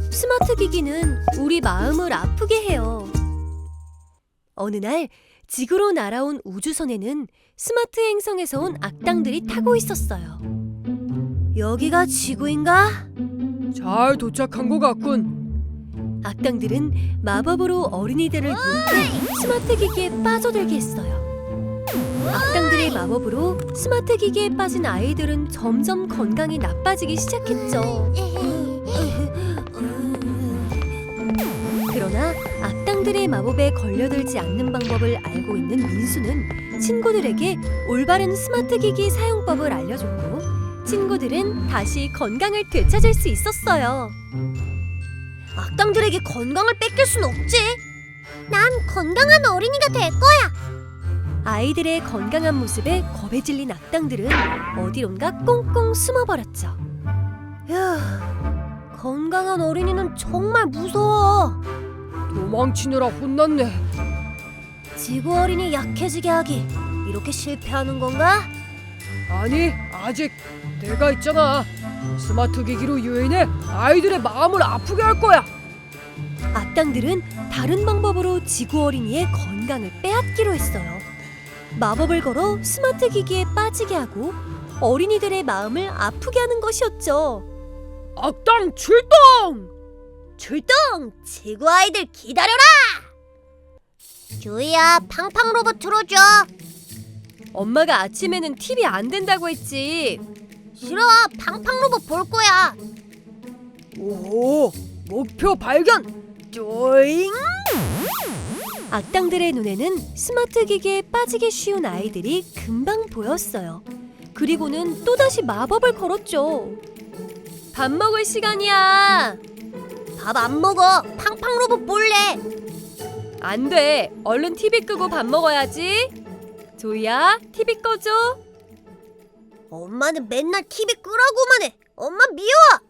스마트 기기는 우리 마음을 아프게 해요. 어느 날 지구로 날아온 우주선에는 스마트 행성에서 온 악당들이 타고 있었어요. 여기가 지구인가? 잘 도착한 것 같군. 악당들은 마법으로 어린이들을 묶고 스마트 기기에 빠져들게 했어요. 악당들의 마법으로 스마트 기기에 빠진 아이들은 점점 건강이 나빠지기 시작했죠. 그러나 악당들의 마법에 걸려들지 않는 방법을 알고 있는 민수는 친구들에게 올바른 스마트 기기 사용법을 알려줬고, 친구들은 다시 건강을 되찾을 수 있었어요. 악당들에게 건강을 뺏길 순 없지. 난 건강한 어린이가 될 거야. 아이들의 건강한 모습에 겁에 질린 악당들은 어디론가 꽁꽁 숨어버렸죠. 휴, 건강한 어린이는 정말 무서워. 도망치느라 혼났네. 지구 어린이 약해지게 하기, 이렇게 실패하는 건가? 아니, 아직 내가 있잖아. 스마트 기기로 유인해 아이들의 마음을 아프게 할 거야. 악당들은 다른 방법으로 지구 어린이의 건강을 빼앗기로 했어요. 마법을 걸어 스마트 기기에 빠지게 하고 어린이들의 마음을 아프게 하는 것이었죠. 악당 출동! 출동! 지구 아이들 기다려라! 주희야, 팡팡 로봇 틀어줘. 엄마가 아침에는 TV 안 된다고 했지. 싫어, 팡팡 로봇 볼 거야. 오, 목표 발견! 쪼잉! 악당들의 눈에는 스마트 기기에 빠지기 쉬운 아이들이 금방 보였어요. 그리고는 또다시 마법을 걸었죠. 밥 먹을 시간이야. 밥 안 먹어. 팡팡 로봇 볼래. 안 돼. 얼른 TV 끄고 밥 먹어야지. 조이야, TV 꺼줘. 엄마는 맨날 TV 끄라고만 해. 엄마 미워.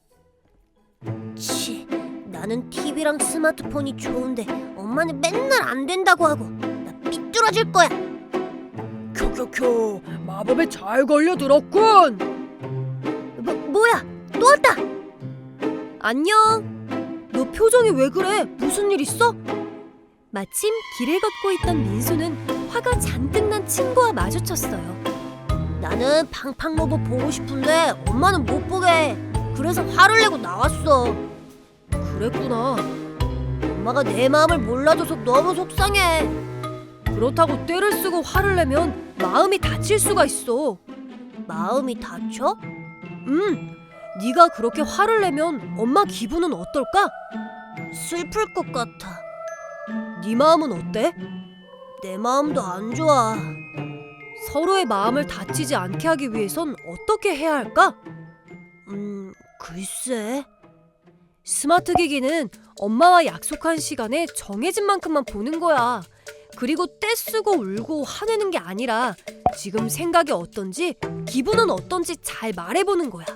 치, 나는 TV랑 스마트폰이 좋은데 엄마는 맨날 안 된다고 하고 나 삐뚤어질 거야. 쿄쿄쿄, 마법에 잘 걸려들었군. 뭐야? 또 왔다. 안녕. 너 표정이 왜 그래? 무슨 일 있어? 마침 길을 걷고 있던 민수는 화가 잔뜩 난 친구와 마주쳤어요. 나는 팡팡 로봇 보고 싶은데 엄마는 못 보게 해. 그래서 화를 내고 나왔어. 그랬구나. 엄마가 내 마음을 몰라줘서 너무 속상해. 그렇다고 떼를 쓰고 화를 내면 마음이 다칠 수가 있어. 마음이 다쳐? 네가 그렇게 화를 내면 엄마 기분은 어떨까? 슬플 것 같아. 네 마음은 어때? 내 마음도 안 좋아. 서로의 마음을 다치지 않게 하기 위해선 어떻게 해야 할까? 글쎄. 스마트 기기는 엄마와 약속한 시간에 정해진 만큼만 보는 거야. 그리고 떼쓰고 울고 화내는 게 아니라 지금 생각이 어떤지, 기분은 어떤지 잘 말해보는 거야.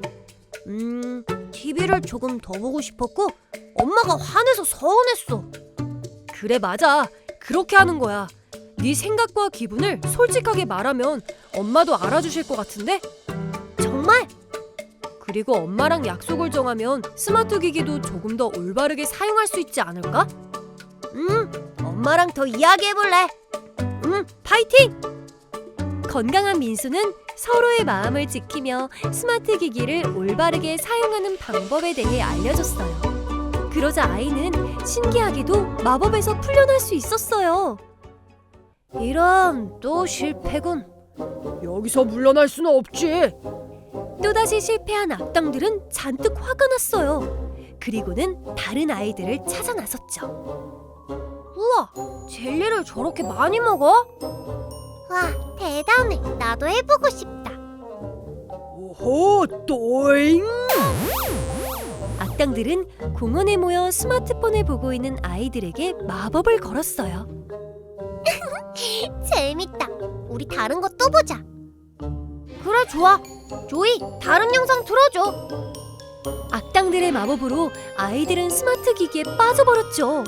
TV를 조금 더 보고 싶었고 엄마가 화내서 서운했어. 그래, 맞아. 그렇게 하는 거야. 네 생각과 기분을 솔직하게 말하면 엄마도 알아주실 것 같은데? 정말? 그리고 엄마랑 약속을 정하면 스마트 기기도 조금 더 올바르게 사용할 수 있지 않을까? 엄마랑 더 이야기해볼래. 파이팅! 건강한 민수는 서로의 마음을 지키며 스마트 기기를 올바르게 사용하는 방법에 대해 알려줬어요. 그러자 아이는 신기하게도 마법에서 풀려날 수 있었어요. 이런, 또 실패군. 여기서 물러날 수는 없지. 또다시 실패한 악당들은 잔뜩 화가 났어요. 그리고는 다른 아이들을 찾아 나섰죠. 우와, 젤리를 저렇게 많이 먹어? 와, 대단해. 나도 해보고 싶다. 오호, 또잉! 악당들은 공원에 모여 스마트폰을 보고 있는 아이들에게 마법을 걸었어요. 재밌다. 우리 다른 거 또 보자. 그래, 좋아. 조이, 다른 영상 틀어줘. 악당들의 마법으로 아이들은 스마트 기기에 빠져버렸죠.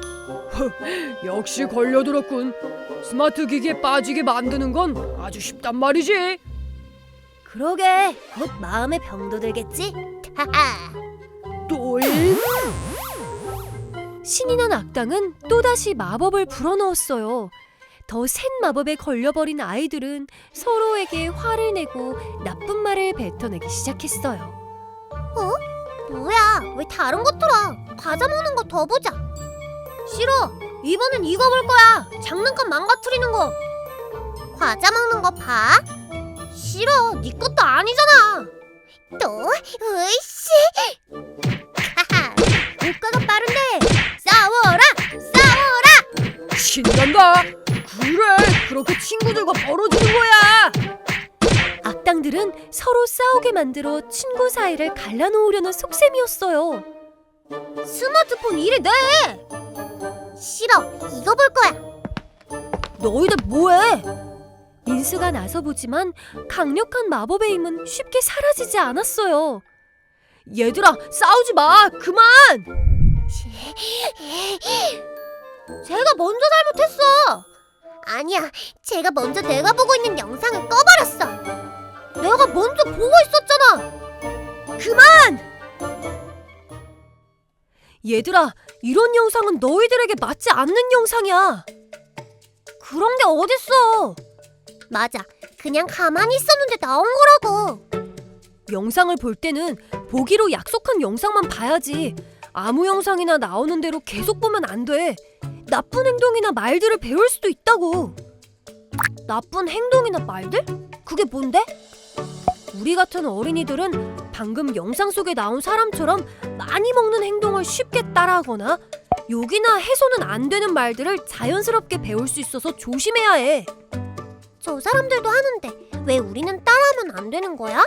역시 걸려들었군. 스마트 기기에 빠지게 만드는 건 아주 쉽단 말이지. 그러게, 곧 마음에 병도 들겠지? 하하. 또잉. 신이 난 악당은 또다시 마법을 불어넣었어요. 더 센 마법에 걸려버린 아이들은 서로에게 화를 내고 나쁜 말을 뱉어내기 시작했어요. 뭐야? 왜 다른 거 틀어? 과자 먹는 거 더 보자. 싫어. 이번엔 이거 볼 거야. 장난감 망가뜨리는 거. 과자 먹는 거 봐. 싫어. 네 것도 아니잖아. 또? 으이씨. 하하. 효과가 빠른데. 싸워라. 싸워라. 신난다. 그래, 그렇게 친구들과 벌어지는 거야. 악당들은 서로 싸우게 만들어 친구 사이를 갈라놓으려는 속셈이었어요. 스마트폰 이래 내. 싫어. 이거 볼 거야. 너희들 뭐해? 민수가 나서보지만 강력한 마법의 힘은 쉽게 사라지지 않았어요. 얘들아, 싸우지 마. 그만. 제가 먼저 잘못했어. 아니야, 제가 먼저 내가 보고 있는 영상을 꺼버렸어. 내가 먼저 보고 있었잖아. 얘들아, 이런 영상은 너희들에게 맞지 않는 영상이야. 그런 게 어딨어. 맞아, 그냥 가만히 있었는데 나온 거라고. 영상을 볼 때는 보기로 약속한 영상만 봐야지. 아무 영상이나 나오는 대로 계속 보면 안 돼. 나쁜 행동이나 말들을 배울 수도 있다고. 나쁜 행동이나 말들? 그게 뭔데? 우리 같은 어린이들은 방금 영상 속에 나온 사람처럼 많이 먹는 행동을 쉽게 따라하거나 욕이나 해서는 안 되는 말들을 자연스럽게 배울 수 있어서 조심해야 해. 저 사람들도 하는데 왜 우리는 따라하면 안 되는 거야?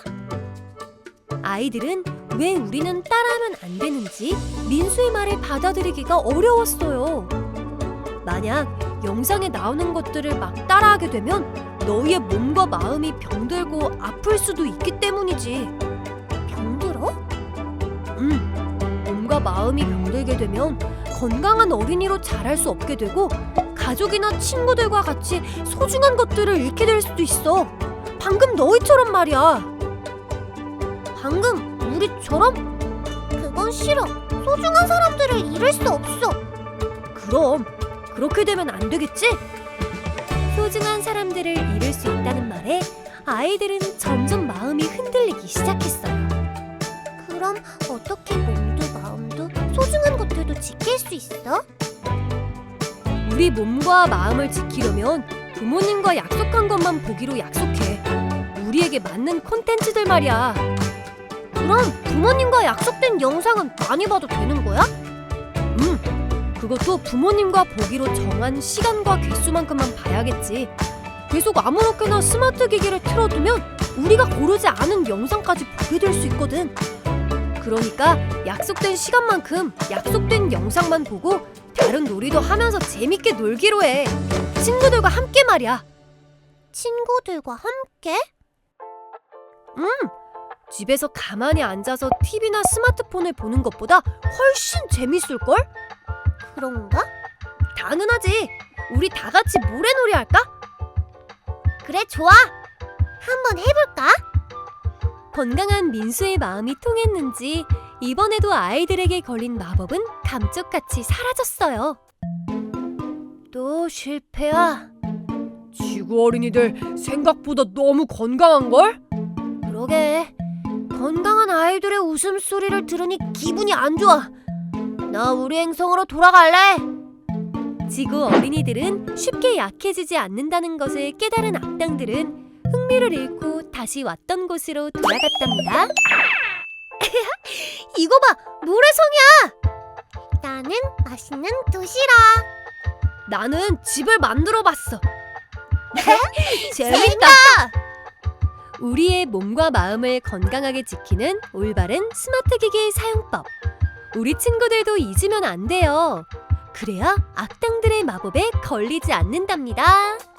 아이들은 왜 우리는 따라하면 안 되는지 민수의 말을 받아들이기가 어려웠어요. 만약 영상에 나오는 것들을 막 따라하게 되면 너희의 몸과 마음이 병들고 아플 수도 있기 때문이지. 병들어? 몸과 마음이 병들게 되면 건강한 어린이로 자랄 수 없게 되고 가족이나 친구들과 같이 소중한 것들을 잃게 될 수도 있어. 방금 너희처럼 말이야. 방금 우리처럼? 그건 싫어. 소중한 사람들을 잃을 수 없어. 그럼 그렇게 되면 안 되겠지? 소중한 사람들을 잃을 수 있다는 말에 아이들은 점점 마음이 흔들리기 시작했어요. 그럼 어떻게 몸도 마음도 소중한 것들도 지킬 수 있어? 우리 몸과 마음을 지키려면 부모님과 약속한 것만 보기로 약속해. 우리에게 맞는 콘텐츠들 말이야. 그럼 부모님과 약속된 영상은 많이 봐도 되는 거야? 그것도 부모님과 보기로 정한 시간과 개수만큼만 봐야겠지. 계속 아무렇게나 스마트 기기를 틀어두면 우리가 고르지 않은 영상까지 보게 될 수 있거든. 그러니까 약속된 시간만큼 약속된 영상만 보고 다른 놀이도 하면서 재밌게 놀기로 해. 친구들과 함께 말이야. 친구들과 함께? 집에서 가만히 앉아서 TV나 스마트폰을 보는 것보다 훨씬 재밌을걸? 그런가? 당연하지. 우리 다 같이 모래놀이 할까? 그래, 좋아. 한번 해볼까? 건강한 민수의 마음이 통했는지 이번에도 아이들에게 걸린 마법은 감쪽같이 사라졌어요. 또 실패야? 지구 어린이들 생각보다 너무 건강한걸? 그러게. 건강한 아이들의 웃음소리를 들으니 기분이 안 좋아. 나 우리 행성으로 돌아갈래. 지구 어린이들은 쉽게 약해지지 않는다는 것을 깨달은 악당들은 흥미를 잃고 다시 왔던 곳으로 돌아갔답니다. 이거 봐, 모래성이야. 나는 맛있는 도시락. 나는 집을 만들어봤어. 재밌다. 우리의 몸과 마음을 건강하게 지키는 올바른 스마트 기기 사용법. 우리 친구들도 잊으면 안 돼요. 그래야 악당들의 마법에 걸리지 않는답니다.